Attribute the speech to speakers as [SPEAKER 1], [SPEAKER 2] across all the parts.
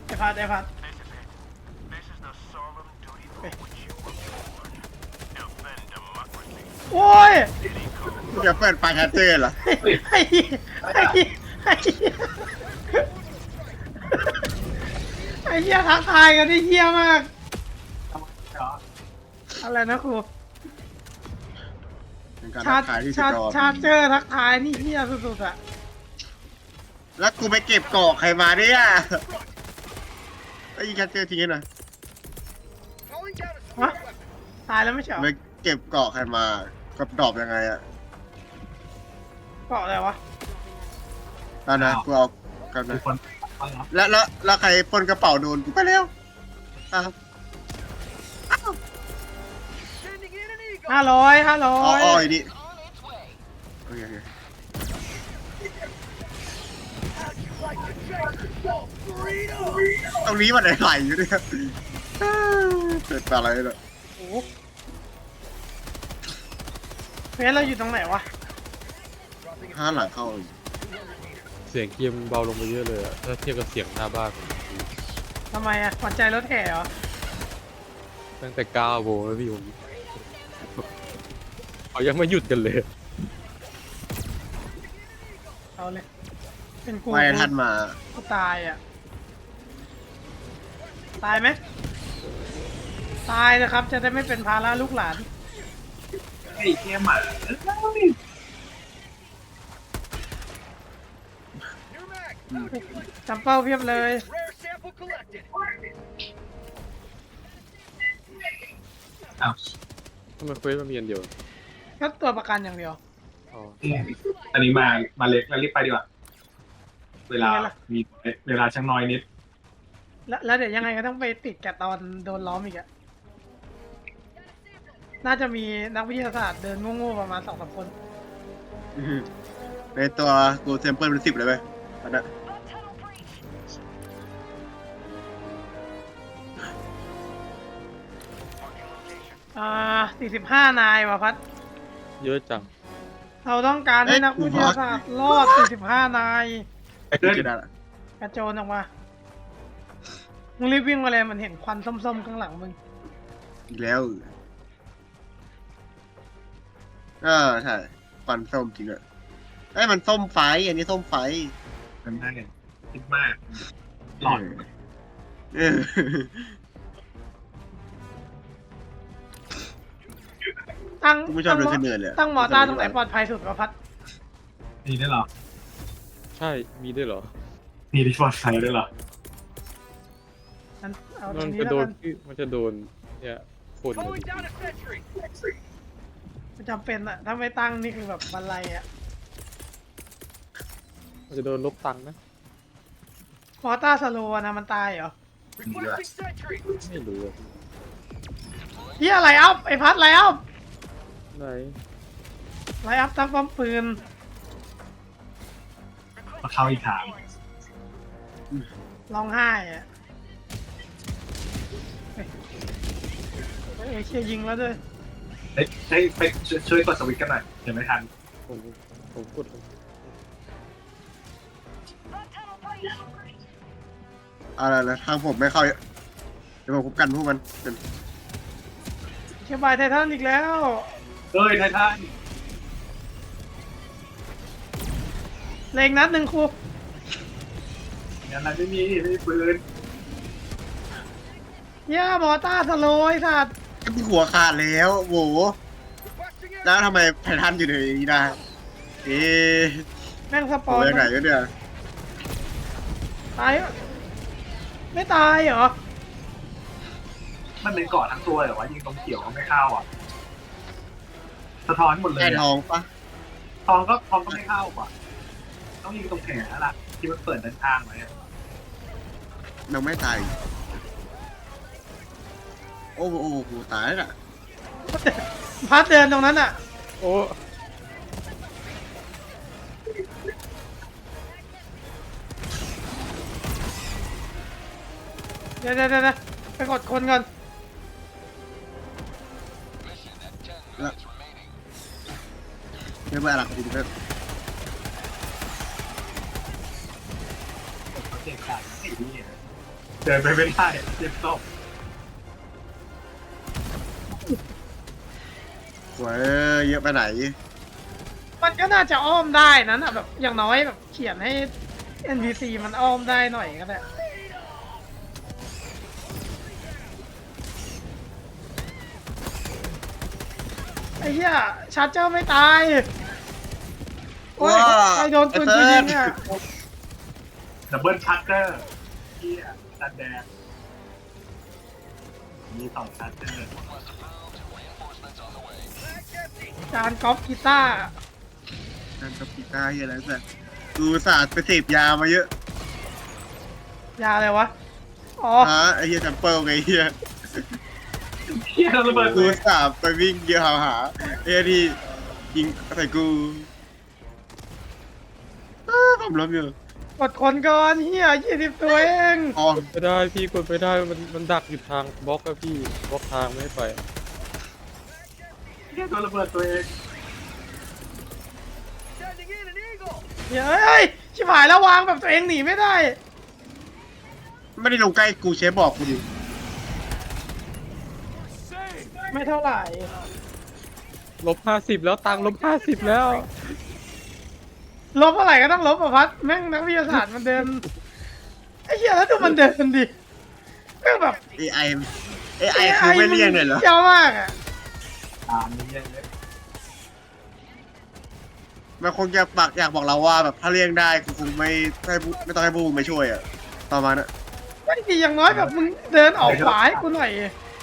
[SPEAKER 1] ไอ้พัดโอ้ย
[SPEAKER 2] มึงจะเปิดไฟแฮตเจอร์เหรอ
[SPEAKER 1] ไอ้เหี้ยไอ้เหี้ยไอ้เหี้ยไอ้เหี้ยทักทายกันได้เหี้ยมากอะไรนะครู
[SPEAKER 2] เป็นการ
[SPEAKER 1] ชา
[SPEAKER 2] ทั
[SPEAKER 1] ร์
[SPEAKER 2] กทายที่สุ
[SPEAKER 1] ชา
[SPEAKER 2] ด
[SPEAKER 1] ร์
[SPEAKER 2] ยอด
[SPEAKER 1] ชาร์เจอร์ทักทายนี่เหี้ยสุดๆอะ
[SPEAKER 2] แล้วกูไปเก็บเกาะใครมาเนี่ยไอ้ยิงแคทเจอร์ทิ้งให้หน่อย
[SPEAKER 1] ฮะตายแล้วไม่ใช่เหรอ
[SPEAKER 2] ไปเก็บเกาะใครมากับดอบยังไงอะ
[SPEAKER 1] เกาะอะไรวะ
[SPEAKER 2] นั่นนะกูเอากันนะ
[SPEAKER 3] มีคนไปเหรอ
[SPEAKER 2] แล้วใครปล้นกระเป๋าโดนกูไปเร็วอ่ะ
[SPEAKER 1] 500
[SPEAKER 2] อ๋ออีนี่โอเคตรงนี้มันไหลอยู่เนี่ยเกิดอะไรเนี่ย
[SPEAKER 1] โอ้โหเฟสเราอยู่ตรงไหนวะ
[SPEAKER 2] ห้าหลังเข้าอีก
[SPEAKER 4] เสียงเกมเบาลงไปเยอะเลยอะถ้าเทียบกับเสียงหน้าบ้านผม
[SPEAKER 1] ทำไมอะขวัญใจรถแห่เหรอ
[SPEAKER 4] ตั้งแต่9 โมงแล้วพี่ผมเขายังไม่หยุดกันเลย
[SPEAKER 1] เอาเลย เป็นกู
[SPEAKER 2] ไม่ทันมา
[SPEAKER 1] กูตายอะตายไหมตายนะครับ จะได้ไม่เป็นภาระลูกหลาน
[SPEAKER 3] ไอ้เหี้ยหมา
[SPEAKER 1] จำเป้าเพียบเลย
[SPEAKER 3] อ้าว
[SPEAKER 4] ทำไมเควสมันมีอันเดียว
[SPEAKER 1] ก็ตัวประกันอย่างเดียว
[SPEAKER 4] อ๋อ
[SPEAKER 3] อันนี้มาเล็กแล้วรีบไปดีกว่าเวลามีเวลาช่างน้อยนิด
[SPEAKER 1] แล้วเดี๋ยวยังไงก็ต้องไปติดกับตอนโดนล้อมอีกอะน่าจะมีนักวิทยาศาสตร์เดินโง่ๆประมาณ2-3 คน
[SPEAKER 2] ในตัวกูเซมเปิลเป็น10เลยไหมอันนั้น
[SPEAKER 1] 45 นายว่ะพัด
[SPEAKER 4] เยอะจัง
[SPEAKER 1] เราต้องการให้นักวิทยาศาสตร์รอด 45 นาย
[SPEAKER 3] ไอ้เพื่อน
[SPEAKER 2] จะได้ละ
[SPEAKER 1] กระโจนออกมา มึงรีบวิ่งมาเลยมันเห็นควันส้มๆข้างหลังมึง
[SPEAKER 2] อีกแล้วใช่ฟันส้มจริงอะเอ้ยมันส้มไฟอันนี้ส้มไฟ
[SPEAKER 3] มันได้คิดมากหลอด
[SPEAKER 2] เออ
[SPEAKER 1] ตั้ง
[SPEAKER 2] กูไม่ชอบเดินขึ้นเนินเลยอะ
[SPEAKER 1] ตั้งหมอตาตรงไหนปลอดภัยสุดวะพัด
[SPEAKER 3] นี่ได้เหรอ
[SPEAKER 4] ใช่มีด้วยเหรอ
[SPEAKER 3] นี่ที่ปลอดภัยได้เหรอ
[SPEAKER 1] งั้นเอาตร
[SPEAKER 4] มั
[SPEAKER 1] ง
[SPEAKER 4] น
[SPEAKER 1] นี้
[SPEAKER 4] จะ
[SPEAKER 1] แล้ว
[SPEAKER 4] โด
[SPEAKER 1] กัน น
[SPEAKER 4] มันจะโดนเนี่ยคนเลย
[SPEAKER 1] มันจำเป็นอะถ้าไม่ตั้งนี่คือแบบบันไลอะ
[SPEAKER 4] มันจะโดนลบตังค์นะ
[SPEAKER 1] หมอตาสโลว์นะมันตายเหรอ
[SPEAKER 4] ไม่รู้อะ
[SPEAKER 1] เฮียอะไรอัพไอพัดอะไรอัพ
[SPEAKER 4] ไหน
[SPEAKER 1] ไลอัพตั้งป้อมปืน
[SPEAKER 3] มาเข้าอีกทาง
[SPEAKER 1] ร้องไห้อะเฮ้ยเชียยิงแล้วด้วย
[SPEAKER 3] ไปช่วยกดสวิตช์กันหน่อยยังไม่ทัน
[SPEAKER 4] ผมกด
[SPEAKER 2] อะไรนะทางผมไม่เข้าเดี๋ยวผมคุบกันพวกมันเป็น
[SPEAKER 1] เชียบายไททันอีกแล้ว
[SPEAKER 3] เฮ้ยไททัน
[SPEAKER 1] เลงนัดหนึ่งครู
[SPEAKER 3] งานนั้นไม่มีปืน
[SPEAKER 1] ย่าหมอตาสโลว์ไอ้สัตว์
[SPEAKER 2] หัวขาดแล้วโหแล้วทำไมไททันอยู่ในนี้ได้เอ๊ะ
[SPEAKER 1] แม่งสป
[SPEAKER 2] โห
[SPEAKER 1] อน
[SPEAKER 2] ยังไงกันเนี่ย
[SPEAKER 1] ตายอะไม่ตายเหรอ
[SPEAKER 3] มันเป็นเกาะทั้งตัวแต่ว่ายิงตรงเขียวก็ไม่เข้าอ่ะสะท้อนหมดเลย
[SPEAKER 2] แค่ทองปะ
[SPEAKER 3] ทองก็ไม่เข้าอ่ะต้องยิงตรงแขนแล้วล่ะที่มันเปิดด้านข้างไว้อะ
[SPEAKER 2] ยังไม่ตายโอ้โหตายแล้วน่ะ
[SPEAKER 1] พัดเดินตรงนั้นอ่ะ
[SPEAKER 4] โอ้
[SPEAKER 1] เดี๋ยวไปกดคนก่อน
[SPEAKER 2] ไม่เป็นอะไรคุณเพื่อน
[SPEAKER 3] เก่งกาจไอ้นี่เดินไปไม่ได้เจ็บศพ
[SPEAKER 2] สวยเยอะไปไหน
[SPEAKER 1] มันก็น่าจะอ้อมได้นะน่ะแบบอย่างน้อยแบบเขียนให้ NPC มันอ้อมได้หน่อยก็ได้ไอ้เหี้ยชาร์เจอร์ไม่ตายโอ้ย
[SPEAKER 2] ว้า
[SPEAKER 1] ใครโดนปืน
[SPEAKER 2] ไอ้
[SPEAKER 1] กู
[SPEAKER 2] เฟิ
[SPEAKER 1] ยิ
[SPEAKER 2] ร์
[SPEAKER 1] ง
[SPEAKER 2] น
[SPEAKER 1] อ่ะ
[SPEAKER 3] ดับเบิลชัตเตอร์เฮียตัดแดงมี2ชัตเตอร์
[SPEAKER 1] การกอล์ฟกีตาร์
[SPEAKER 2] นั่นกับกีตาร์เฮียอะไรสักกูศาสตร์ไปเสพยามาเยอะ
[SPEAKER 1] ยาอะไรวะอ๋อ
[SPEAKER 2] ไอ้เฮียแซมเปิลไงเฮีย
[SPEAKER 3] เฮียระเบิด
[SPEAKER 2] กู
[SPEAKER 3] เลย
[SPEAKER 2] ศาสตร์ไปวิ่งเกี่ยวหาไอ้ที่ยิงใส่กูผมล้มอยู่
[SPEAKER 1] กดคนก่อนเหี้ย20 ตัวเอง
[SPEAKER 2] อ๋อ
[SPEAKER 4] ไม่ได้พี่กดไม่ได้มันดักอยู่ทางบล็อกอะพี่บล็อกทางไม่ให้ไป
[SPEAKER 3] เฮียโดนระเบิดตัวเอง
[SPEAKER 1] เฮ้ยชิบหายแล้ววางแบบตัวเองหนีไม่ได้
[SPEAKER 2] ไม่ได้ลงใกล้กูเชฟบอกกูดิ
[SPEAKER 1] ไม่เท่าไหร่
[SPEAKER 4] -50แล้วตังค์-50แล้ว
[SPEAKER 1] ลบเท่าไหร่ก็ต้องลบอ่ะพัดแม่งนักวิทยาศาสตร์มันเดินไอ้เหี้ยแล้วดูมันเดินดิแม่งแบบ
[SPEAKER 2] AI คือไม่เลี่ยงเลยเหรอ
[SPEAKER 1] เยอะมากอ่ะ
[SPEAKER 3] ตามนี้เลย
[SPEAKER 2] มันคงจะอยากบอกเราว่าแบบถ้าเลี่ยงได้กูคงไม่ต้องให้พวกมึงมาช่วยอะประมาณนั้น
[SPEAKER 1] ไม่ดีอย่างน้อยแบบมึงเดินออกขวาให้กูหน่อย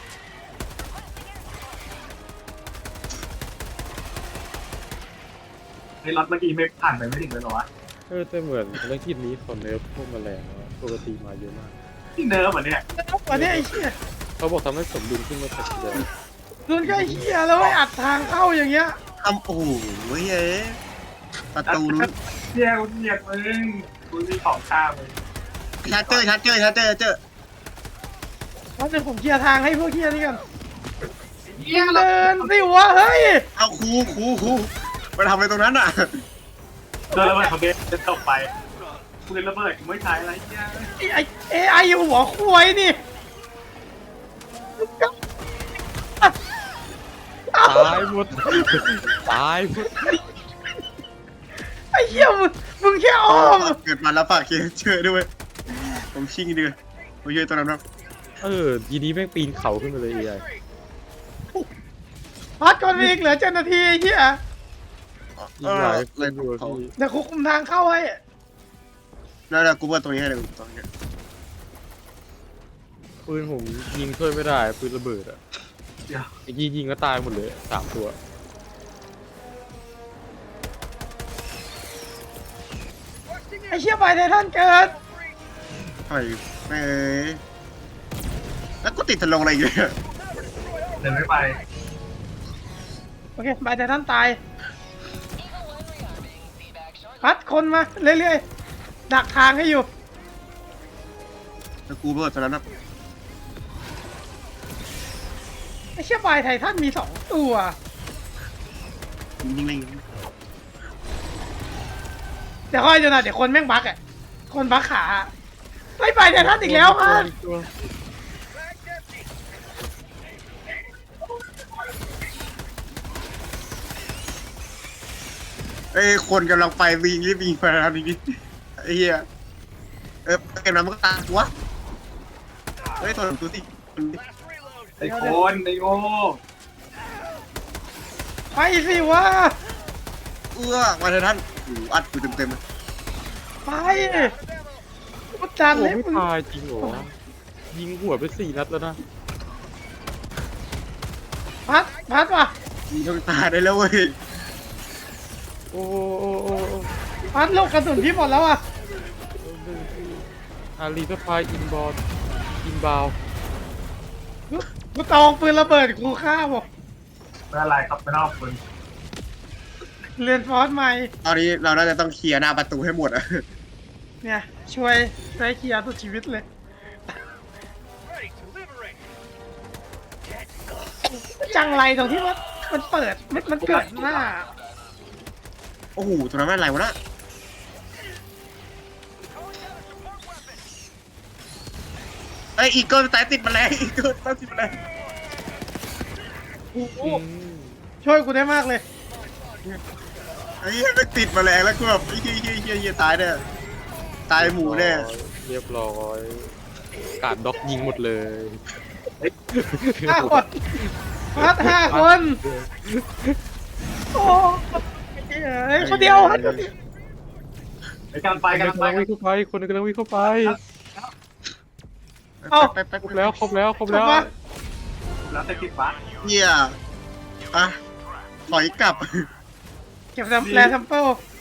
[SPEAKER 3] ไอ้รถเมื่อกี้ไม่ผ่านไปไม่ถึงเลยเหรอวะ
[SPEAKER 4] แต่เหมือนเรื่องที่นี้คนเนิร์ฟพวกแมลงอะปกติมาเยอะมาก
[SPEAKER 3] ที่เนิร์ฟเหรอเนี่ย
[SPEAKER 1] แล้วกว่านี้ไอ้เหี้ย
[SPEAKER 4] เขาบอกทำให้สมดุลขึ้นมาสักทีเดียว
[SPEAKER 1] โดนก็ไอ้เหี้ยแล้วไอ้อัดทางเข้าอย่างเงี้ย
[SPEAKER 2] ทำโอ้โหเฮ้ยประตูนู้น
[SPEAKER 3] เฮียกูเกลียดมึงกูมีของข้ามเลย
[SPEAKER 2] ชาร์เจอร์
[SPEAKER 1] แล้วเดี๋ยวผมเคลียร์ทางให้พวกเหี้ยนี่กันเดินสิวะเฮ้ย
[SPEAKER 2] เอาครูมาทำอะไรตรงนั้นอ่ะ
[SPEAKER 3] โดนระเบิดเขาเบสจะตกไปกูเลยระเบิดกูไม่ใช้อะไรเฮีย
[SPEAKER 1] ไอ้AI หัวควายนี่
[SPEAKER 4] ตายหมดตายหมด
[SPEAKER 1] ไอ้เหี้ยมึงแค่อ้อม
[SPEAKER 2] เกิดมาแล้วฝากเคเจอด้วยผมชิงดีเลยผมช่วยตัวนั้นครับ
[SPEAKER 4] ทีนี้แม่งปีนเขาขึ้นมาเลยไอ้
[SPEAKER 1] พัดก่อนไปอีกเหลือ7 นาทีไอ้เหี้ย
[SPEAKER 4] ยิงหลายค
[SPEAKER 2] เล่
[SPEAKER 4] น
[SPEAKER 2] น
[SPEAKER 4] อยู่อะ
[SPEAKER 2] เขา
[SPEAKER 4] พี่
[SPEAKER 1] เดี๋ยวกูคุมทางเข้าให้
[SPEAKER 2] แล้วกูเปิดตรงนี้ให้เลยตรงนี้
[SPEAKER 4] ปืนผมยิงช่วยไม่ได้ปืนระเบิดอะ
[SPEAKER 3] เดี๋ยว
[SPEAKER 4] ไอ้กี้ยิงก็ตายหมดเลย3 ตัว
[SPEAKER 1] ไอ้เชี่ยไปไททันเกิด
[SPEAKER 2] เฮ้ยแม่แล้วกูติดทะลงอะไรอยู่เนี่ย
[SPEAKER 3] เดินไม่ไป
[SPEAKER 1] โอเคไปไททันตายพัดคนมาเรื่อยๆดักทางให้อยู่
[SPEAKER 2] แล้วกูเปิดตัวนั้นนะ
[SPEAKER 1] ไอ้เชี่ยไปไททันมี2 ตัว
[SPEAKER 2] ยิงเลย
[SPEAKER 1] เดี๋ยวค่อยดูนะเดี๋ยวคนแม่งบักอ่ะคนบักขาไม่ไปไททันอีกแล้วพัด
[SPEAKER 4] ตัว
[SPEAKER 2] เอ้ยคนกำลังไปวิ่งรีบวิ่งไปทางนี้ไอ้เหี้ยเกมนั้นมันก็ตามวะเฮ้ยตัวหนึ่งตัวสิ
[SPEAKER 3] ไอ้คนไอ้โง่
[SPEAKER 1] ไปสิวะ
[SPEAKER 2] มาเถอะท่านโอ้โหอัดกูเต็มๆเลย
[SPEAKER 1] ไปกูจัน
[SPEAKER 4] โอ้
[SPEAKER 1] เลย
[SPEAKER 4] ไม่
[SPEAKER 1] มึง
[SPEAKER 4] ตายจริงเหรอยิงหัวไป4 นัดแล้วนะ
[SPEAKER 1] พัดว่ะ
[SPEAKER 2] มึงต้องตายได้แล้วเว้ย
[SPEAKER 4] โอ้โอ้โอ้โอ้
[SPEAKER 1] พัดลูกกระสุนพี่หมดแล้วอ่ะ
[SPEAKER 4] อารีสพายอินบอลอินบาว
[SPEAKER 1] กูตองปืนระเบิดกูฆ่าบอก
[SPEAKER 3] ไม่อะไรครับไม่นอกคน
[SPEAKER 1] เรียนฟอสใหม่
[SPEAKER 2] ตอนนี้เราน่าจะต้องเคลียร์หน้าประตูให้หมดอะ
[SPEAKER 1] เนี่ยช่วยเคลียร์สุดชีวิตเลยจังไรตรงที่ว่ามันเปิดมันเกิดหน้า
[SPEAKER 2] โอ้โหตัวนั้นมันอะไรวะน่ะไอ้อีเกิลสายติดแมลงอีเกิลสายติดแมลง
[SPEAKER 1] โอ้โห
[SPEAKER 4] อืม
[SPEAKER 1] ช่วยกูได้มากเลย
[SPEAKER 2] ไอ้เหี้ยมันติดแมลงแล้วกูแบบไอ้เหี้ยตายแน่ตายหมูแน่
[SPEAKER 4] เรียบร้อยกาดด็อกยิงหมดเลย
[SPEAKER 1] 5 คนพัด5 คนโอ้เฮ้ยคนเดียว
[SPEAKER 3] ไปกันไปกัน
[SPEAKER 4] กำ
[SPEAKER 3] ไป
[SPEAKER 4] ลังวิ่งเข้าไปคนหนึงกำลังวิ่งเข้าไป
[SPEAKER 2] ไป
[SPEAKER 4] ครบแล้วครบแล้วครบแล้ว
[SPEAKER 3] แล้วแต่คิดว่า
[SPEAKER 2] เหี้ยอ่ะถอยกลับ
[SPEAKER 1] เก็บแซัมเปิล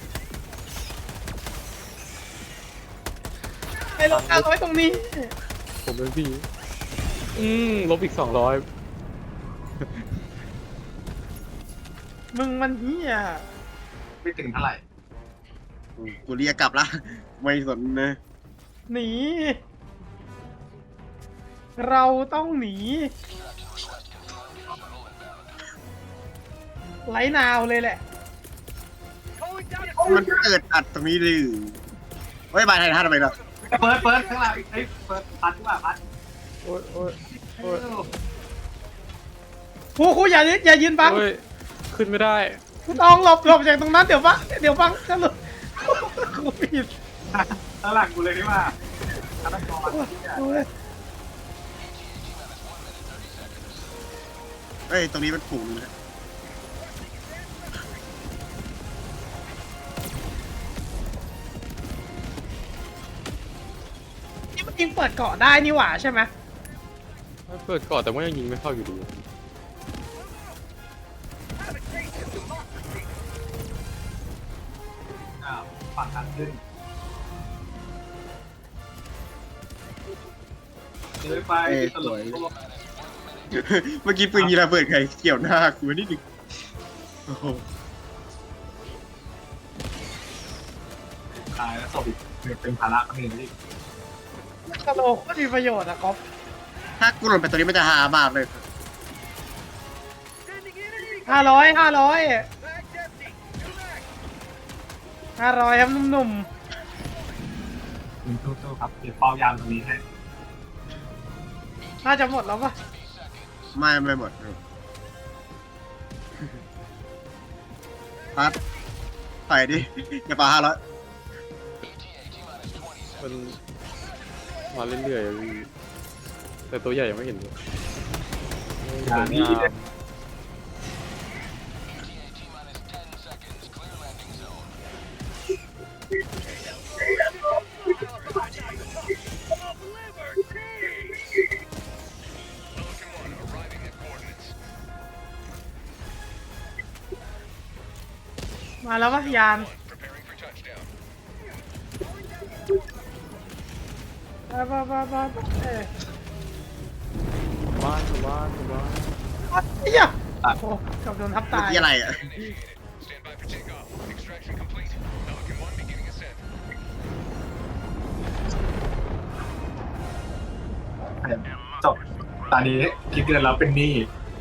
[SPEAKER 1] ไอ้ลง500ตรงนี้
[SPEAKER 4] ผมเป็นพี่ลบอีก200
[SPEAKER 1] มึงมันเหี้ย
[SPEAKER 3] ไม่ถึงเท่าไหร่
[SPEAKER 2] กูเรียกกลับละไม่สนนะ
[SPEAKER 1] หนี เราต้องหนีไลท์นาวเลยแหละ
[SPEAKER 2] มันเกิดอัดตรงนี้ดิเฮ้ยบายไทยท่าทำไมเนาะ
[SPEAKER 3] เปิดข้างหลังเฮ้ยเปิดพัดดีกว่าพัด
[SPEAKER 4] โอ้ยโอ้ยโอ้ย
[SPEAKER 1] ครูอย่ายืนบัง
[SPEAKER 4] โอ้ยขึ้นไม่ได้
[SPEAKER 1] กูต้องหลบจากตรงนั้นเดี๋ยวบังจะหลุดครูผิด
[SPEAKER 3] ข้างหลังกูเลยดีกว่าฆาตกร
[SPEAKER 1] โอ้ย
[SPEAKER 2] เฮ้ยตรงนี้มันฝูงนะ
[SPEAKER 1] นี่มันยิงเปิดเกาะได้นี่หว่าใช่ไหม
[SPEAKER 4] เปิดก่อนแต่ว่ายังยิงไม่เข้าอยู่ดี
[SPEAKER 3] อ้าวฝั่งทางขึ้นเลยไปตลก
[SPEAKER 2] เมื่อกี้ปืนยีระเบิดใครเกี่ยวหน้ากูนิดนึงโอ้โห
[SPEAKER 3] ตายแล้วศพอีกเป็นภาระคนอื่นอีก
[SPEAKER 1] กระโหลกก็มีประโยชน์อะก๊อฟ
[SPEAKER 2] ถ้ากูหล่นไปตัวนี้มันจะฮามากเลย
[SPEAKER 1] 500ครับหนุ่ม
[SPEAKER 3] สู้ๆครับเก็บเป้ายามตรงนี้ให้
[SPEAKER 1] ๆน่าจะหมดแล้วปะ
[SPEAKER 2] ไม่หมดพัดใส่ดิอย่าปา500
[SPEAKER 4] มันมาเรื่อยๆอะพี่แต่ตัวใหญ่ยังไม่เห็นเลย
[SPEAKER 3] อย่าดีเลย
[SPEAKER 1] มาแล้วปะยานไปเอ้ย
[SPEAKER 4] บ้านเหี้
[SPEAKER 1] ยโอ้โหเกับโดนทับตาย
[SPEAKER 2] ที่อะไรอ่ะ
[SPEAKER 3] จบตอนนี้คิดเดือนแล้วเป็นหนี้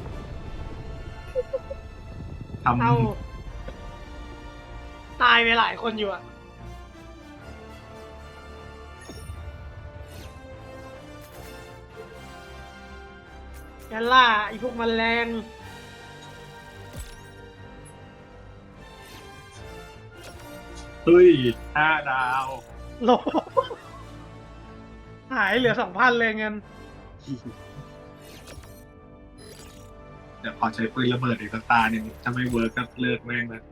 [SPEAKER 3] ทำ
[SPEAKER 1] เอาตายไปหลายคนอยู่อะแกล่าไอ้พวกแมลง
[SPEAKER 3] เฮ้ย5 ดาว
[SPEAKER 1] โลหายเหลือ 2,000 เลยเงิน
[SPEAKER 3] เดี๋ยวขอใช้ปืนระเบิดอีกสักตาหนึ่งถ้าไม่เวิร์กก็เลิกแม่งเลย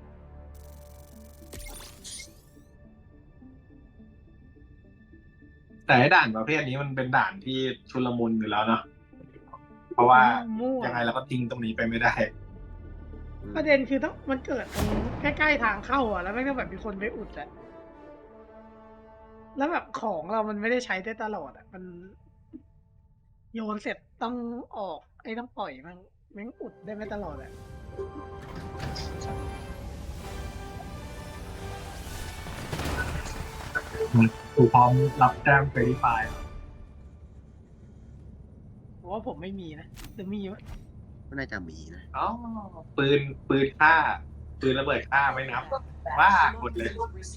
[SPEAKER 3] แต่ไอ้ด่านประเภทนี้มันเป็นด่านที่ชุลมุนอยู่แล้วเนาะเพราะว่า
[SPEAKER 1] มั่ว
[SPEAKER 3] ยังไงเราก็ทิ้งตรงนี้ไปไม่ได้
[SPEAKER 1] ประเด็นคือต้องมันเกิดตรงใกล้ๆทางเข้าอ่ะ แล้วแม่งก็แบบมีคนไปอุดอ่ะ แล้วแบบของเรามันไม่ได้ใช้ได้ตลอดอ่ะ มันโยนเสร็จต้องออกไอ้ต้องปล่อยมันแม่งอุดได้ไม่ตลอดอ่ะ
[SPEAKER 3] กูพร้อมรับแจ้งเฟรไฟล์
[SPEAKER 1] เพราะว่าผมไม่มีนะหรือมีวะ
[SPEAKER 2] ก็น่าจะมีนะ
[SPEAKER 3] อ๋อปืนฆ่าปืนระเบิดฆ่าไม่นับว่ากดเลย